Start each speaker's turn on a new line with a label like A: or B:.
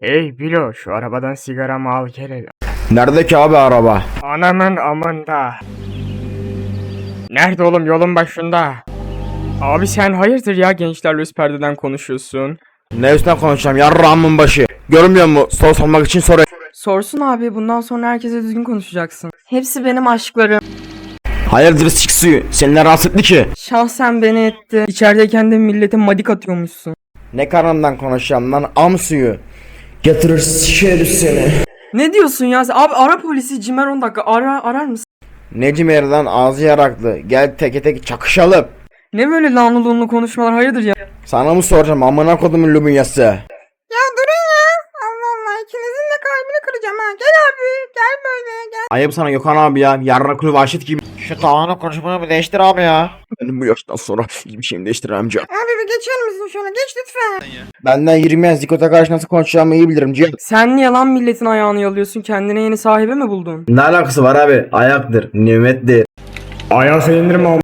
A: Hey Bilo, şu arabadan sigaramı al gel hele.
B: Nerede ki abi araba?
A: Anamın amında. Nerede oğlum, yolun başında. Abi sen hayırdır ya, gençlerle üst perdeden konuşuyorsun.
B: Ne üstüne konuşacağım yarrağımın başı. Görmüyor musun? Soru sormak için soru.
C: Sorsun abi, bundan sonra herkese düzgün konuşacaksın. Hepsi benim aşklarım.
B: Hayırdır sik suyu? Seni ne rahatsız etti ki?
C: Şahsen beni etti. İçerideyken de millete madik atıyormuşsun.
B: Ne karnından konuşacağım lan am suyu. Getirir sikeriz seni.
C: Ne diyorsun ya sen? Abi ara polisi, Cimer 10 dakika arar mısın?
B: Necim yerden ağzı yaraklı. Gel teke tek çakışalım.
C: Ne böyle lanlı lunlu konuşmalar, hayırdır ya?
B: Sana mı soracağım amına kodumun lübunyası?
C: Ya durun ya. Allah Allah, ikinizin de kalbini kıracağım ha. Gel abi, gel böyle gel.
B: Ayıp sana Gökhan abi ya. Yarraklı vahşet gibi. Şu tağını konuşmanı bir değiştir abi ya. Benim bu yaştan sonra hiçbir şeyimi değiştiremem canım.
C: Abi bir geçer misin şöyle, geç lütfen.
B: Benden 20 yaş zikota karşı nasıl konuşacağımı iyi bilirim Cihan.
C: Sen niye lan milletin ayağını yalıyorsun, kendine yeni sahibi mi buldun?
B: Ne alakası var abi? Ayaktır, nimettir.
A: Ayağı indirme.